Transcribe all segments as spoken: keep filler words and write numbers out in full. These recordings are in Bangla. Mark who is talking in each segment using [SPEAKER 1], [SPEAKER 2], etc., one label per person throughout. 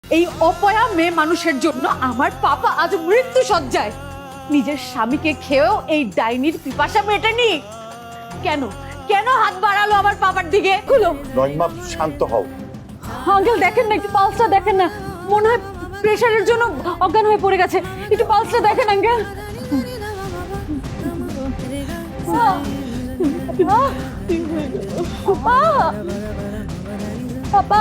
[SPEAKER 1] এই অপয়া মেয়ে মানুষের জন্য আমার পাপা আজ মৃত্যু সজ্জায়। নিজের স্বামীকে খেয়েও এই ডাইনির পিপাসা মেটেনি। কেন কেন হাত বাড়ালো আমার পাপার দিকে? খুলো।
[SPEAKER 2] নয়মা শান্ত হও।
[SPEAKER 1] আঙ্কেল দেখেন না, একটু পালসটা দেখেন না, মনে হয় প্রেশারের জন্য অজ্ঞান হয়ে পড়ে গেছে। একটু পালসটা দেখেন আঙ্কেল। পাপা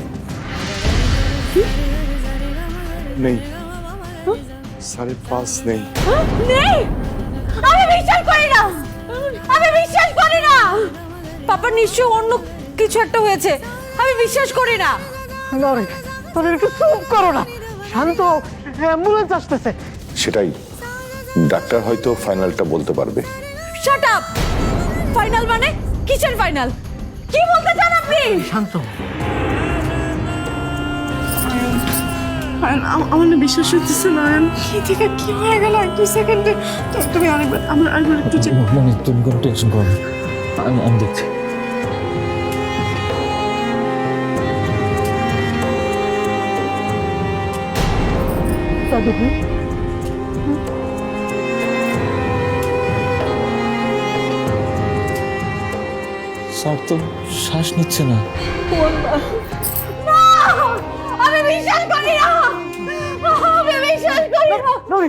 [SPEAKER 2] নেই, সাড়ে পাঁচ নেই।
[SPEAKER 1] নেই, আমি বিশ্বাস করি না, আমি বিশ্বাস করি না। পাপা নিশ্চয় অন্য কিছু একটা হয়েছে, আমি বিশ্বাস করি না।
[SPEAKER 3] নরেন, নরেন একটু চুপ করো না, শান্ত হও, অ্যাম্বুলেন্স আসতেছে।
[SPEAKER 2] সেটাই, ডাক্তার হয়তো ফাইনালটা বলতে পারবে।
[SPEAKER 1] Shut up. ফাইনাল মানে কিসের ফাইনাল? কি বলতে চান আপনি?
[SPEAKER 3] শান্ত হও।
[SPEAKER 4] আমার না বিশ্বাস হচ্ছে না, কি থেকে কি হয়ে গেল এক দুই সেকেন্ডে। তুমি আরেকবার আমার আরেকবার একটু চেক।
[SPEAKER 5] মনে তুমি কোনো টেনশন করো না, আমি আমি দেখছি।
[SPEAKER 3] দাদু ভাই,
[SPEAKER 5] স্যার তো শ্বাস নিচ্ছে না।
[SPEAKER 1] না, আমি বিশ্বাস করি না, আমি বিশ্বাস করি না।
[SPEAKER 3] নরেন,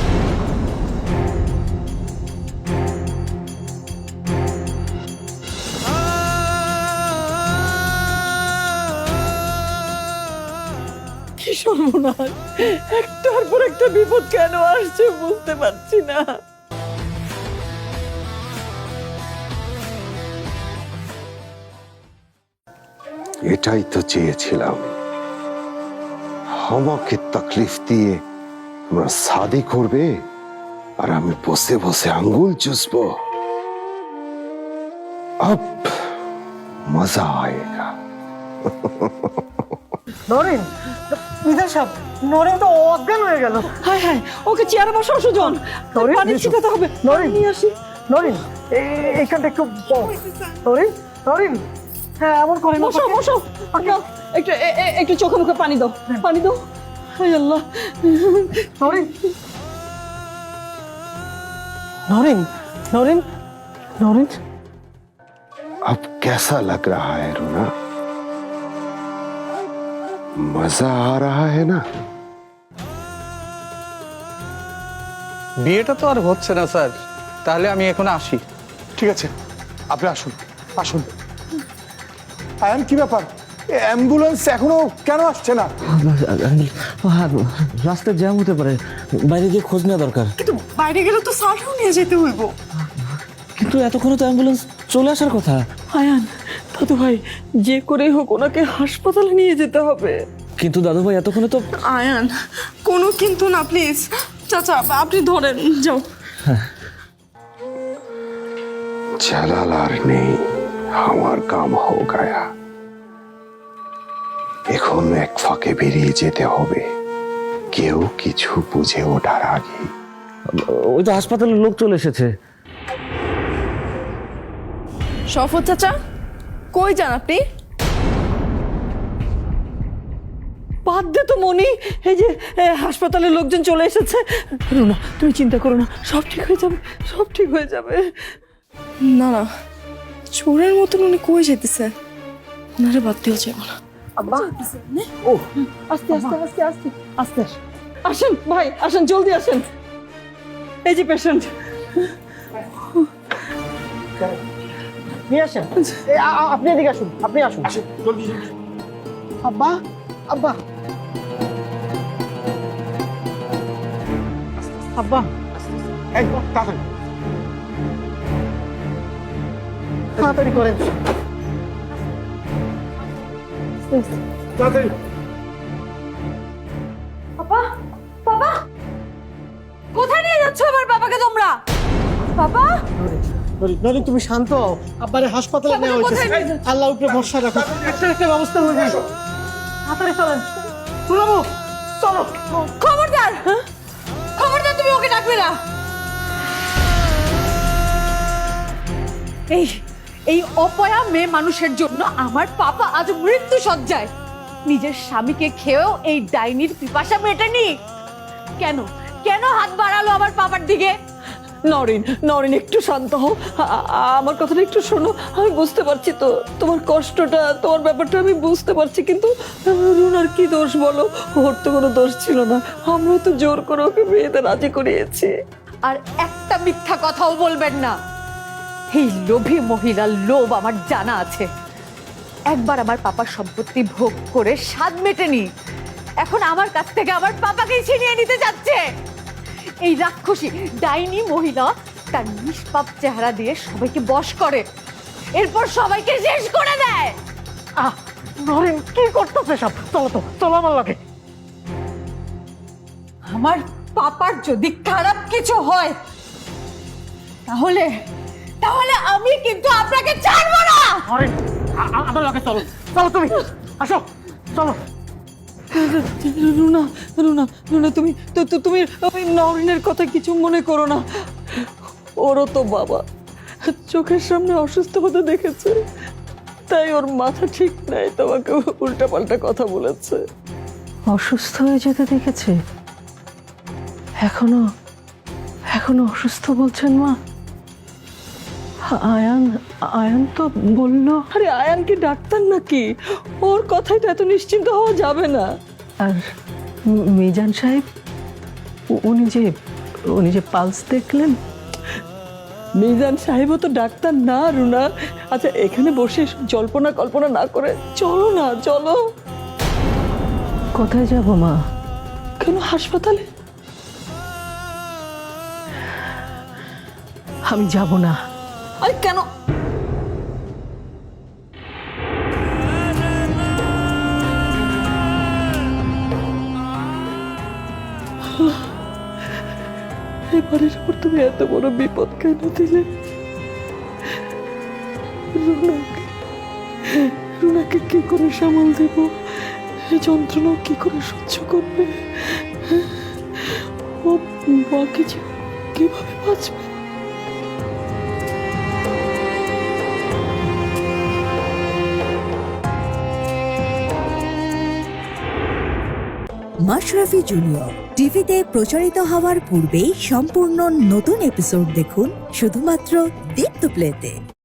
[SPEAKER 4] কি সর্বনাশ, একটার পর একটা বিপদ কেন আসছে বুঝতে পারছি না।
[SPEAKER 6] এটাই তো চেয়েছিলাম, আমাকে তকলিফ দিয়ে তোমরা শাদি করবে আর আমি বসে বসে আঙ্গুল চুষবো। আব মজা আয়েগা।
[SPEAKER 3] নরেন, বিধান সাহেব, নরেন তো অজ্ঞান হয়ে গেল।
[SPEAKER 4] হায় হায়, ওকে চেয়ারে বসাও সুজন,
[SPEAKER 3] নরেন,
[SPEAKER 4] পানি
[SPEAKER 3] এসো।
[SPEAKER 4] ছিটাতে হবে।
[SPEAKER 3] নরেন,
[SPEAKER 4] নিয়ে আসি।
[SPEAKER 3] নরেন, এ- এইখানটা একটু বস। নরেন, নরেন, হ্যাঁ এমন করে না।
[SPEAKER 4] বসো বসো, নাও, একটু এ- এ- একটু চোখে মুখে পানি দাও, পানি দাও। হায় আল্লাহ।
[SPEAKER 3] নরেন, নরেন, নরেন, নরেন,
[SPEAKER 6] अब कैसा लग रहा है रोना? मजा आ रहा है ना?
[SPEAKER 7] বিয়েটা তো আর হচ্ছে না স্যার, তাহলে আমি এখন আসি।
[SPEAKER 2] ঠিক আছে, আপনি আসুন আসুন। আয়ান, কি ব্যাপার? অ্যাম্বুলেন্স এখনো কেন আসছে না?
[SPEAKER 5] রাস্তায় জ্যাম হতে পারে, বাইরে গিয়ে খোঁজ নেওয়া দরকার।
[SPEAKER 4] কিন্তু বাইরে গেলে তো সালটাও নিয়ে যেতে হইব।
[SPEAKER 5] কিন্তু এতক্ষণে তো অ্যাম্বুলেন্স চলে আসার কথা।
[SPEAKER 4] আয়ান, দাদু ভাই, যে করেই হোক ওনাকে হাসপাতালে নিয়ে যেতে হবে।
[SPEAKER 5] কিন্তু দাদু ভাই এতক্ষণে তো।
[SPEAKER 4] আয়ান, কোনো কিন্তু না, প্লিজ। চাচা আপনি ধরেন, যাও।
[SPEAKER 6] जलाल আর নেই, আমার কাম হো গায়া। এখন এক ফাঁকে বেরিয়ে যেতে হবে, কেউ কিছু বুঝে ওঠার আগে।
[SPEAKER 5] ওই তো হাসপাতালের লোক চলে এসেছে।
[SPEAKER 4] শফত চাচা, কই যান আপনি? বাদ দে তো মনি, এই যে এ, হাসপাতালের লোকজন চলে এসেছে। রুনা, তুমি চিন্তা করো না, সব ঠিক হয়ে যাবে, সব ঠিক হয়ে যাবে। না না, চোরের মতন উনি কই যেতেছে, ওনারে বাদ দিয়েও যাবো না।
[SPEAKER 3] আব্বা,
[SPEAKER 4] ও আস্তে আস্তে আস্তে আস্তে আস্তে আসেন, আসেন ভাই, আসেন, জলদি আসেন। এই যে পেশেন্ট।
[SPEAKER 3] নিয়ে আসেন। এ, আ- আ- আপনি এদিকে আসুন, আপনি আসুন। আব্বা, আব্বা, আব্বা,
[SPEAKER 2] এই, তাড়াতাড়ি
[SPEAKER 3] তাড়াতাড়ি করেন।
[SPEAKER 2] তাড়াতাড়ি।
[SPEAKER 1] বাবা, বাবা, কোথায় নিয়ে যাচ্ছ আমার বাবাকে তোমরা? বাবা,
[SPEAKER 3] নরেন, নরেন, তুমি শান্ত হও। আব্বারে হাসপাতালে
[SPEAKER 1] বাবাকে
[SPEAKER 3] নেওয়া
[SPEAKER 1] কোথায় নিয়ে
[SPEAKER 3] হয়েছে।
[SPEAKER 1] যাচ্ছ?
[SPEAKER 3] আল্লাহর উপরে ভরসা রাখো, একটা একটা ব্যবস্থা হয়ে যাবে। তাড়াতাড়ি চলেন, চলো চলো।
[SPEAKER 1] খবরদার, খবরদার, তুমি ওকে ডাকবে না। এই এই অপয়া মেয়ে মানুষের জন্য আমার পাপা আজ মৃত্যু সজ্জায়। নিজের স্বামীকে খেয়েও এই ডাইনির পিপাসা মেটেনি? কেন কেন হাত বাড়ালো আমার পাপার দিকে?
[SPEAKER 4] নরিন নরিন একটু শান্ত হও, আ- আ- আমার কথাটা একটু শোনো। আমি বুঝতে পারছি তো তোমার কষ্টটা, তোমার ব্যাপারটা আমি বুঝতে পারছি, কিন্তু রুনার কি দোষ বলো? ওর তো কোনো দোষ ছিল না, আমরা তো জোর করে ওকে বিয়েতে রাজি করিয়েছি।
[SPEAKER 1] আর একটা মিথ্যা কথাও বলবেন না। এই লোভী মহিলার লোভ আমার জানা আছে। একবার আমার পাপার সম্পত্তি ভোগ করে স্বাদ মেটেনি, এখন আমার কাছ থেকে আমার পাপাকেই ছিনিয়ে নিতে যাচ্ছে। এই রাক্ষসী ডাইনি মহিলা তার নিষ্পাপ চেহারা দিয়ে সবাইকে বশ করে, এরপর সবাইকে শেষ করে দেয়।
[SPEAKER 3] আহ নরেন কি করতেছে সব? চলো তো, চলো আমার লগে।
[SPEAKER 1] আমার পাপার যদি খারাপ কিছু হয় তাহলে তাহলে আমি কিন্তু আপনাকে ছাড়বো না।
[SPEAKER 3] নরেন আ- আ- আমার লগে চলো, চলো তুমি আসো, চলো।
[SPEAKER 4] রুনা রুনা রুনা তুমি তো তো- তুমি ওই নরিনের কথা কিছু মনে করো না। ওরও তো বাবা চোখের সামনে অসুস্থ হতে দেখেছে, তাই ওর মাথা ঠিক নাই, তোমাকে উল্টাপাল্টা কথা বলেছে। অসুস্থ হয়ে যেতে দেখেছে? এখনো এখনো অসুস্থ বলছেন মা? আয়ান আয়ান তো বললো। আরে আয়ান কি ডাক্তার নাকি? ওর কথাই তো এত নিশ্চিন্ত হওয়া যাবে না। আর মি- মিজান সাহেব উ- উনি যে উনি যে পালস দেখলেন, মিজান সাহেবও তো ডাক্তার না রুনা। আচ্ছা এখানে বসে এসব জল্পনা কল্পনা না করে চলো না, চলো। কোথায় যাব মা? কেন হাসপাতালে? আমি যাব না। আরে কেন? এবারের উপর তুমি এত বড় বিপদ কেন দিলে? রুনাকে রুনাকে কি করে সামাল দেব? এই যন্ত্রণা কি করে সহ্য করবে? ও বাকি যে কিভাবে বাঁচবে?
[SPEAKER 8] মাশরাফি জুনিয়র টিভিতে প্রচারিত হওয়ার পূর্বেই সম্পূর্ণ নতুন এপিসোড দেখুন শুধুমাত্র দীপ্ত প্লেতে।